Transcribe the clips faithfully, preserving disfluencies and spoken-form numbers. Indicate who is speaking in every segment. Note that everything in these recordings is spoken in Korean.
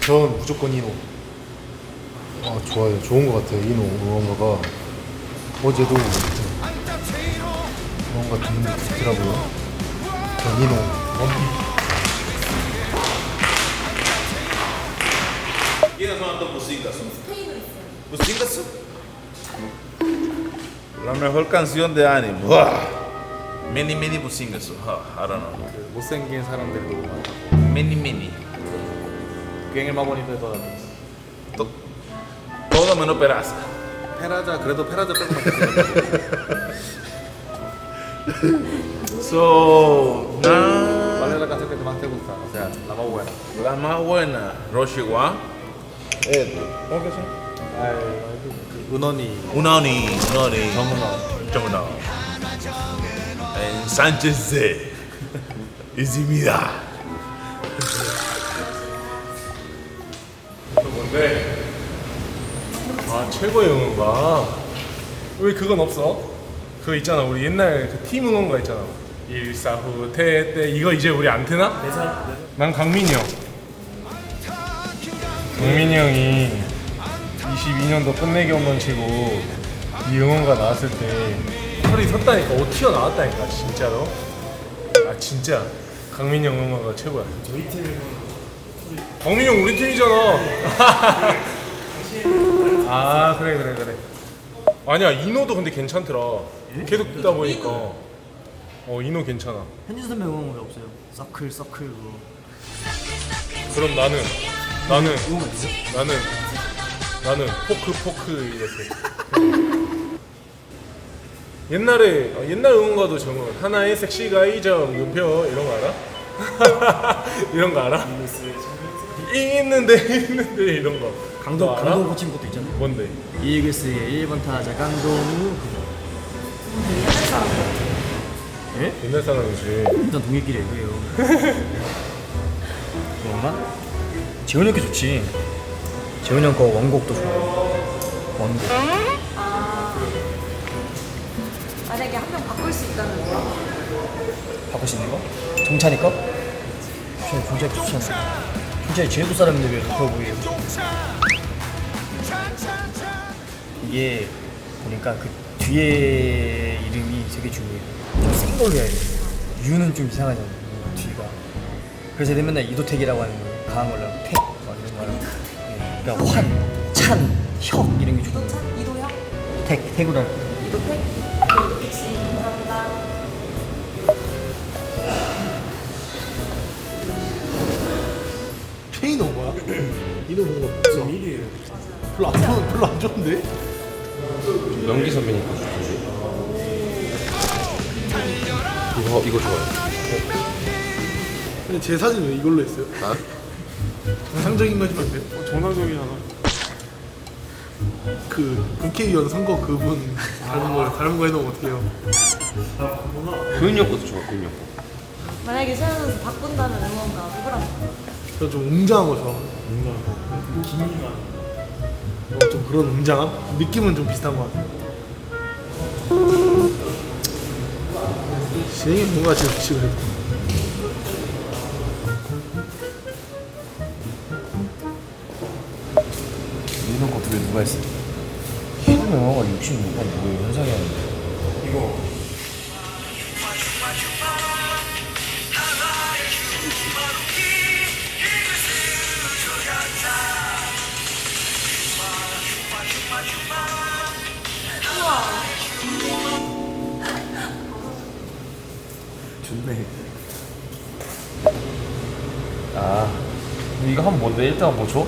Speaker 1: 전 무조건 이노. 아 좋아요. 좋은 것 같아요. 이노 응원가가 어제도 응원가 듣는데 좋더라고요. 전 이노 원픽.
Speaker 2: ¿Quiénes son estos músicos?
Speaker 3: 스페인어 있어요.
Speaker 2: ¿Músicos? La mejor canción de anime. ¡Wow! Mini mini músicos. I don't know.
Speaker 1: 그 못생긴 사람들도 많고
Speaker 2: Mini mini.
Speaker 1: 꽹의 마법님들 더
Speaker 2: To- Todo menos peraza.
Speaker 1: 페라자 그래도 페라자 빼고 맞겠어요.
Speaker 2: So, na,
Speaker 1: ¿Cuál es la canción que más te gusta? O sea, la más buena.
Speaker 2: la más buena, Roshiwa. Esto. ¿Cómo que se llama?
Speaker 1: 아, 그 은원이
Speaker 2: Unoni, Unoni.
Speaker 1: 정은원.
Speaker 2: 정은원. En Sánchez de 있습니다.
Speaker 1: 뭔데? 아 최고의 응원가. 왜 그건 없어? 그거 있잖아. 우리 옛날 그 팀 응원가 있잖아. 일사후 태때 이거 이제 우리 안 트나? 난 강민이 형. 강민이 형이 이십이 년도 끝내기 홈런 치고 이 응원가 나왔을 때 털이 섰다니까. 옷 튀어나왔다니까 진짜로. 아 진짜 강민이 형 응원가가 최고야. 저희 팀 강민이 형 우리 팀이잖아. 아 그래 그래 그래. 아니야 이노도 근데 괜찮더라. 계속 듣다 보니까 어 이노 괜찮아.
Speaker 4: 현진 선배 응원 왜 없어요? 서클 서클 그거.
Speaker 1: 그럼 나는 나는
Speaker 4: 응원 있어?
Speaker 1: 나는 나는 포크 포크 이렇게. 옛날에 어, 옛날 응원가도 정말 하나의 섹시가 이점 눈표 이런 거 알아? 이런 거 알아? 있는데 있는데 이런 거.
Speaker 4: 강도
Speaker 1: 너 알아?
Speaker 4: 강도 고친 것도 있잖아.
Speaker 1: 뭔데?
Speaker 4: 이글스의 일 번 타자 강동우 그거.
Speaker 3: 옛날 사람들.
Speaker 4: 예?
Speaker 1: 옛날 사람이지.
Speaker 4: 일단 동일끼리 얘기해요. 그런가? 재훈이 형께 좋지. 재훈이 형 거 원곡도 좋아. 원곡.
Speaker 3: 아, 만약에 한 명 바꿀 수 있다면 뭐라고?
Speaker 4: 바꿀 수 있는 거? 정찬이 거? 정찬이 정찬이 좋지 않습니까? 정찬이 제주도 사람인데 왜 바꿔 보이에요? 이게 보니까 그 뒤에 이름이 되게 중요해요. 좀 센 걸로 해야 돼. 유는 좀 이상하잖아. 뒤가. 그래서 내가 맨날 이도택이라고 하는 거예요. 강한 걸로 하고 택 막 이런 거 하고. 예. 그러니까 환, 찬, 혁 이런 게 좋아요.
Speaker 3: 이도찬? 이도혁?
Speaker 4: 택, 택으로 할 거.
Speaker 3: 이도택? 역시 감사합니다.
Speaker 5: 페이너 뭐야? 이노 뭔가 없어. 미리 별로 안 좋은 별로 안 좋은데?
Speaker 1: 명기 선배니까 좋지. 이거 이거 좋아요.
Speaker 5: 근데 제 사진 왜 이걸로 했어요?
Speaker 1: 아?
Speaker 5: 정상적인 거 해주면 안 돼요?
Speaker 1: 어, 정상적이잖아.
Speaker 5: 그 국회의원 선거 그분 다른 거 다른 거 해놓으면 어떡해요?
Speaker 1: 근육 것도 좋아. 근육.
Speaker 3: 만약에 세현 선수 바꾼다면 응원가 누구랑?
Speaker 5: 저 좀 웅장한 거 좋아해요. 웅장한 거. 기미가. 어, 좀 그런 웅장함? 느낌은 좀 비슷한 것 같아요. 진행이 뭔가 지금 지금
Speaker 4: 이런 것도 왜 누가 했어? 희동 영화가 육십육 번 뭐예요? 현상이 아닌데.
Speaker 1: 이거
Speaker 4: 좋네. 아, 이거 하면 뭔데? 일 등 뭐 줘?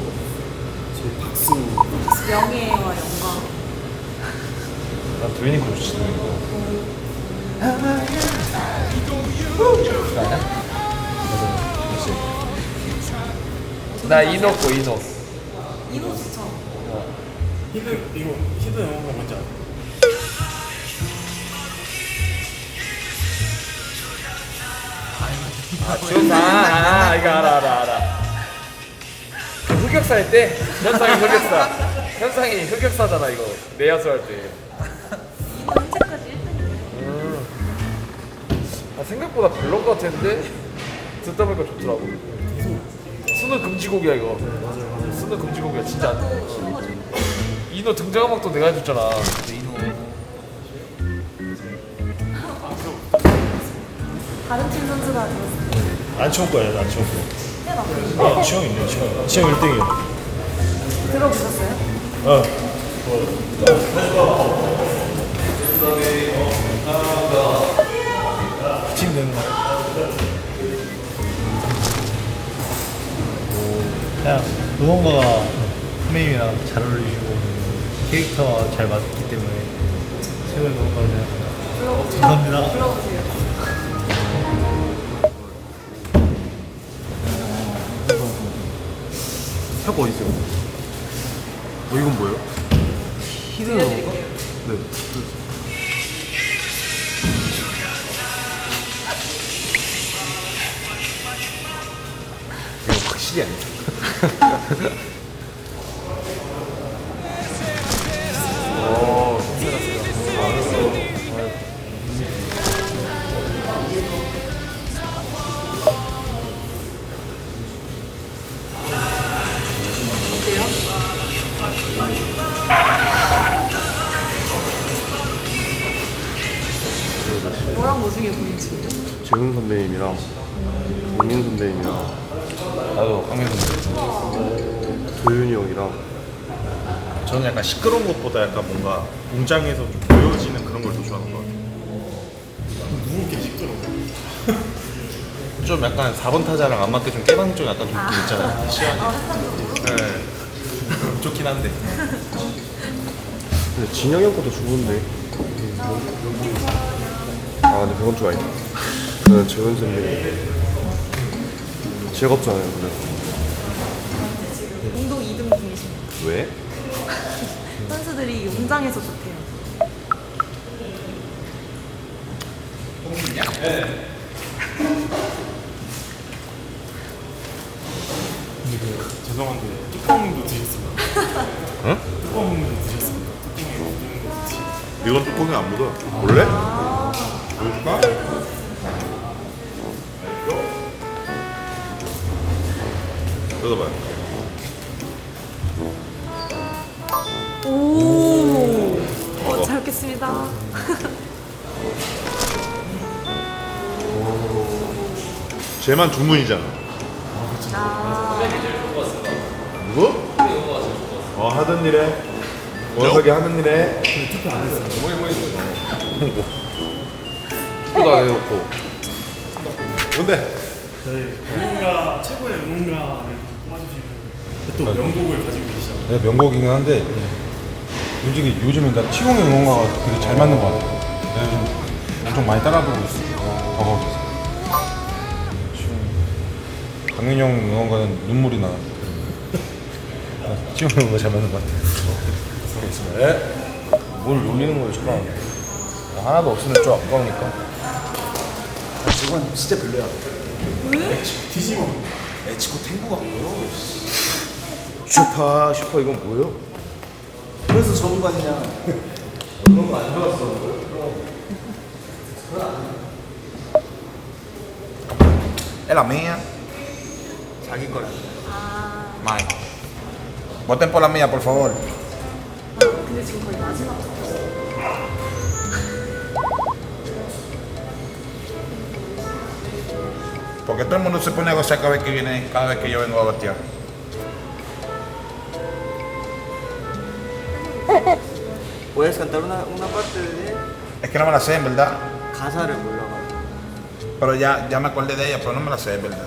Speaker 3: 명예와 영광.
Speaker 4: 난 도현이 거 좋지, 도현이 거. 아니야? 맞아. 나 이노 거, 이노.
Speaker 3: 이도 추천.
Speaker 1: 히든 이거 히든 영화가 뭔지 알아?
Speaker 4: 아, 좋다. 아, 이거 알아, 알아, 알아. 그 흑역사 할 때, 현상이 흑역사. 현상이 흑역사잖아, 이거. 내야수 할 때.
Speaker 3: 이도 현재까지 일 등이에요.
Speaker 4: 아, 생각보다 별론 것 같았는데, 듣다 보니까 좋더라고.
Speaker 1: 수능 금지곡이야 이거. 수능 금지곡이야 진짜. 안 돼.
Speaker 3: 쉬운 거죠.
Speaker 1: 이노 등장 음악도 내가 해줬잖아.
Speaker 3: 다른 팀 선수가 들었어요.
Speaker 5: 안치홍 거야, 안치홍 거.
Speaker 3: 해봐.
Speaker 5: 아, 치홍 있네, 치홍. 치홍 일 등이야.
Speaker 3: 들어보셨어요?
Speaker 5: 어. 팀 되는 거.
Speaker 4: 그냥 응원가가 선배님이랑 잘 어울리시고 캐릭터와 잘 맞기 때문에 최고의 응원가를 생각합니다. 감사합니다.
Speaker 3: 불러보세요.
Speaker 1: 형 어디 있어요? 어 이건 뭐예요? 히든 건가? 네. 이거 확실히 아니야.
Speaker 3: 뭐랑 뭐 중에 보이지?
Speaker 6: 재훈 선배님이랑 동민 선배님이랑
Speaker 2: 나도 강민 선배.
Speaker 6: 도윤이 형이랑
Speaker 5: 저는 약간 시끄러운 것보다 약간 뭔가 공장에서 좀 보여지는 그런 걸 더 좋아하는 것 같아요. 누구게 시끄러워? 좀 약간 사 번 타자랑 안 맞게 좀 깨방 좀 약간 좀 느낌 있잖아요. 시원해.
Speaker 3: 아, 햇살적으로?
Speaker 5: 네. 좋긴 한데.
Speaker 6: 근데 진영이 형 것도 좋은데 아 근데 그건 좀 아니다. 저는 재훈 선배님 즐겁잖아요. 그래서
Speaker 3: 공동 이 등 중이십니다.
Speaker 6: 왜?
Speaker 3: 선수들이 용장에서 좋대요.
Speaker 5: 죄송한데 뚜껑도 드셨습니다. 응? 뚜껑도 드셨습니다.
Speaker 2: 이건 뚜껑이 안 묻어. 원래? 보여줄까? 뜯어봐요.
Speaker 3: 오, 어, 잘 먹겠습니다.
Speaker 2: 쟤만 주문이잖아.
Speaker 3: 아,
Speaker 2: 누구? 어 하던 일에 원석이 하는 일에 투표도 안 해놓고 뭔데?
Speaker 5: 저희 응원가 최고의 응원가를 뽑아주시는 또 명곡을 가지고 계시죠.
Speaker 7: 네, 명곡이긴 한데 솔직히 요즘에 나 치공의 응원가가 되게 잘 맞는 것 같아요. 내가 요즘 엄청 많이 따라 부르고 있어. 버거워서. 강민이 형 응원가는 눈물이 나. 치공 응원가 잘 맞는 것 같아요.
Speaker 1: 네. 뭘 놀리는 거예요, 저랑. 하나도 없으면 좀 아까우니까.
Speaker 5: 저건 진짜 별로야. 왜? 디지몬. 에치코 탱구가 뭐요?
Speaker 2: 슈퍼 슈퍼 이건 뭐예요?
Speaker 5: 그래서 전문가냐?
Speaker 2: Es la mía.
Speaker 5: 자기 거야.
Speaker 2: Mine. Voten por la mía, por favor.
Speaker 3: 아, 근데 지금 거의 마지막.
Speaker 2: Porque todo el mundo se pone a gozar cada vez que viene, cada vez que yo vengo a batear.
Speaker 8: ¿Puedes cantar una, una parte de
Speaker 2: Es que no me la sé, en verdad.
Speaker 8: 가사를 몰라가지고.
Speaker 2: Pero ya, ya me acordé de ella, pero no me la sé, en verdad.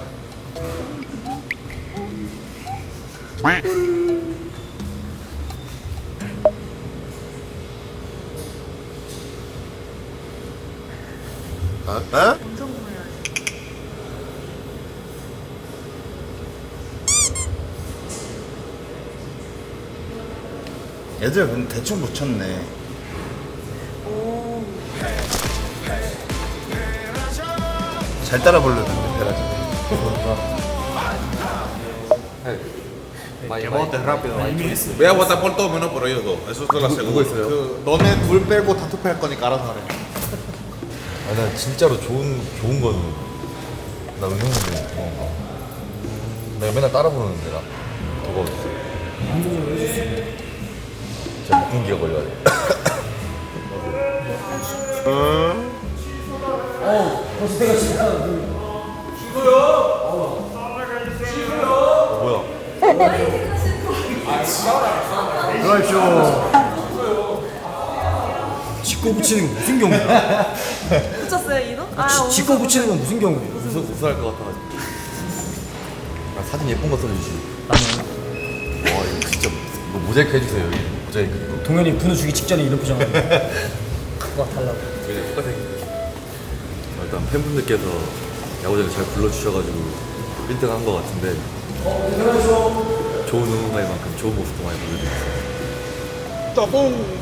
Speaker 2: ¿Ah?
Speaker 3: 엄청 보여야지.
Speaker 2: 얘들 근데 대충 붙였네.
Speaker 3: 오,
Speaker 2: 잘 따라 부르는데, 베라지.
Speaker 8: Que votes rápido.
Speaker 2: Voy a votar por todos menos por ellos dos. Eso te lo aseguro.
Speaker 5: 그 너네 둘 빼고 다 투표할 거니까 알아서 하래.
Speaker 7: 아, 난 진짜로 좋은 좋은 건 나 응원해. 어.
Speaker 9: 내가 맨날 따라 부르는데 나 더워 주세요. 진짜 목공기가 걸려야 돼.
Speaker 5: 뭐야?
Speaker 4: 들어가십시오. 짓고 붙이는 건 무슨 경우야?
Speaker 3: 붙였어요 이도? 아
Speaker 4: 지-
Speaker 3: 오늘
Speaker 4: 짓고 붙이는 건 무슨 경우예요?
Speaker 9: 웃어, 웃어할 것 같아가지고. 아, 사진 예쁜 거 써주시. 와 이거 진짜 이거 모자이크 해주세요. 여기 모자이크 이거.
Speaker 4: 동현이 분우 주기 직전에 이런 표정 하는 그거 달라고.
Speaker 9: 그냥 똑같아. 어, 일단 팬분들께서 야구장에 잘 불러주셔가지고 일 등 한 것 같은데 좋은 응원가인 만큼 좋은 모습도 많이 보여드렸어요.
Speaker 5: 따봉.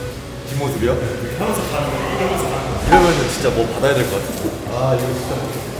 Speaker 9: 뒷모습이요? 이러면은 진짜 뭐 받아야 될 것 같은데. 아 이거 진짜.